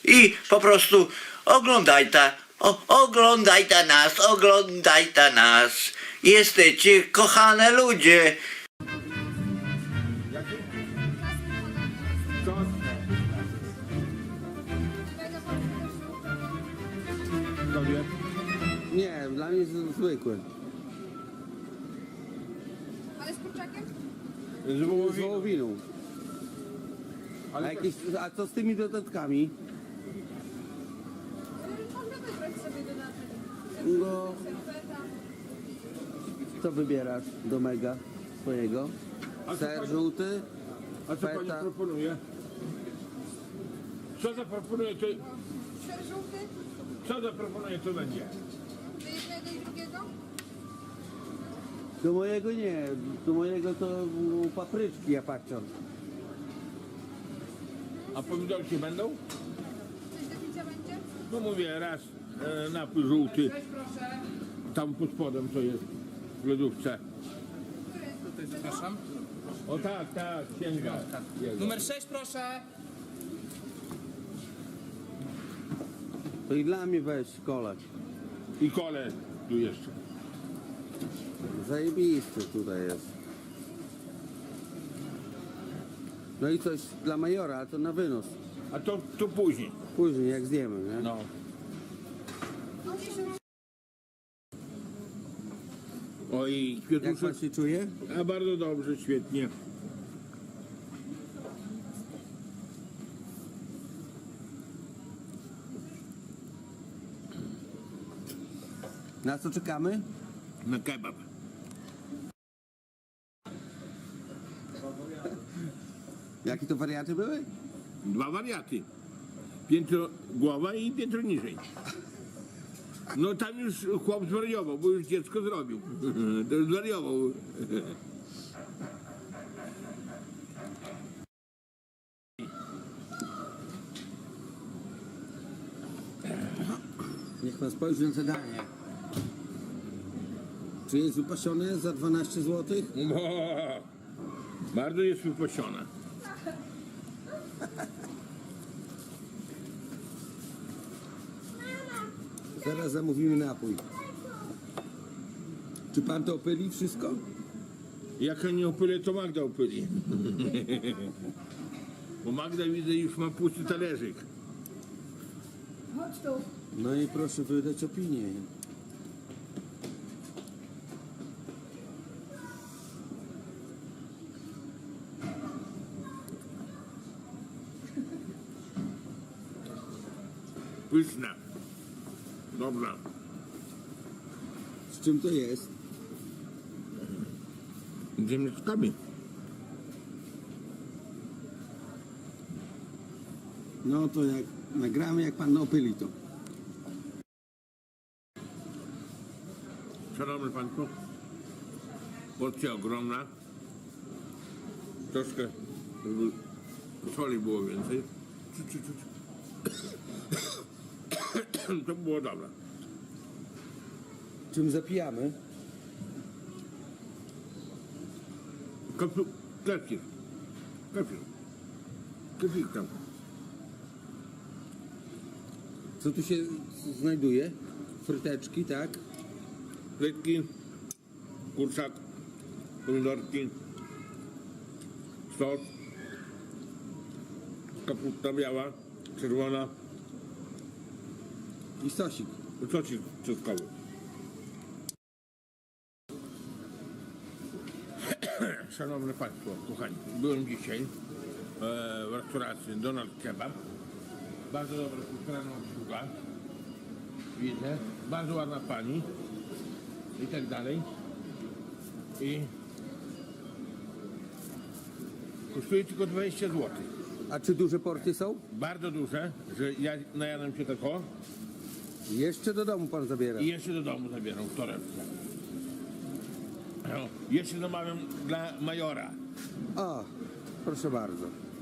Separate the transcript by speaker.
Speaker 1: i po prostu oglądajcie nas. Jesteście kochane ludzie.
Speaker 2: Nie, dla mnie jest zwykły.
Speaker 3: Ale z kurczakiem?
Speaker 2: Z wołowiną. A co z tymi dodatkami?
Speaker 3: Można wybrać sobie dodatek.
Speaker 2: No,
Speaker 3: Serweta.
Speaker 2: co wybierasz do mega swojego? Ser żółty?
Speaker 4: A co pani
Speaker 2: Feta.
Speaker 4: proponuje? Co zaproponuje, to,
Speaker 3: Ser żółty?
Speaker 4: co zaproponuje, to będzie.
Speaker 3: Do jednego i drugiego?
Speaker 2: Do mojego nie, do mojego to papryczki ja patrzę.
Speaker 4: A pomidorki będą?
Speaker 3: Coś do picia będzie?
Speaker 4: No mówię, raz napój żółty, tam pod spodem to jest w lodówce.
Speaker 5: Zapraszam.
Speaker 4: O tak, sięga.
Speaker 5: Numer 6 proszę.
Speaker 2: To i dla mnie weź kolek.
Speaker 4: I kole tu jeszcze.
Speaker 2: Zajebisty tutaj jest. No i coś dla majora, ale to na wynos.
Speaker 4: A to później.
Speaker 2: Później jak zjemy, nie?
Speaker 4: No. Oj,
Speaker 2: Jak
Speaker 4: kwiatuszek.
Speaker 2: pan się czuje?
Speaker 4: A bardzo dobrze, świetnie.
Speaker 2: Na co czekamy?
Speaker 4: Na kebab.
Speaker 2: Jakie to wariaty były?
Speaker 4: Dwa wariaty. Piętro głowa i piętro niżej. No tam już chłop zwariował, bo już dziecko zrobił. To już zwariował.
Speaker 2: Niech pan spojrzy na te danie. Czy jest wypasione za 12 zł?
Speaker 4: Bardzo jest wypasiona.
Speaker 2: Zaraz zamówimy napój. Czy pan to opyli wszystko?
Speaker 4: Jak ja nie opylę, to Magda opyli. Bo Magda widzę już ma pusty talerzyk.
Speaker 3: Chodź tu.
Speaker 2: No i proszę wydać opinię.
Speaker 4: Pyszna. Dobra.
Speaker 2: Z czym to jest?
Speaker 4: Ziemniaczkami.
Speaker 2: No to jak nagramy, jak pan opyli to.
Speaker 4: Szanowny Państwo, porcja ogromna. Troszkę, żeby soli było więcej. To było dobre.
Speaker 2: Czym zapijamy?
Speaker 4: Kefir. Kefir tam.
Speaker 2: Co tu się znajduje? Fryteczki, tak?
Speaker 4: Frytki, kurczak, pomidorki, sos, kapusta biała, czerwona,
Speaker 2: I sosik.
Speaker 4: sosik czosnkowy. Szanowni Państwo, kochani, byłem dzisiaj w restauracji Donald Kebab. Bardzo dobra kulturalna obsługa. Widzę, bardzo ładna pani i tak dalej. I kosztuje tylko 20 zł.
Speaker 2: A czy duże porcje są?
Speaker 4: Bardzo duże, że ja najadam się tako
Speaker 2: Jeszcze do domu pan zabiera.
Speaker 4: i jeszcze do domu zabieram w torebce. No, jeszcze zamawiam dla majora.
Speaker 2: O, proszę bardzo.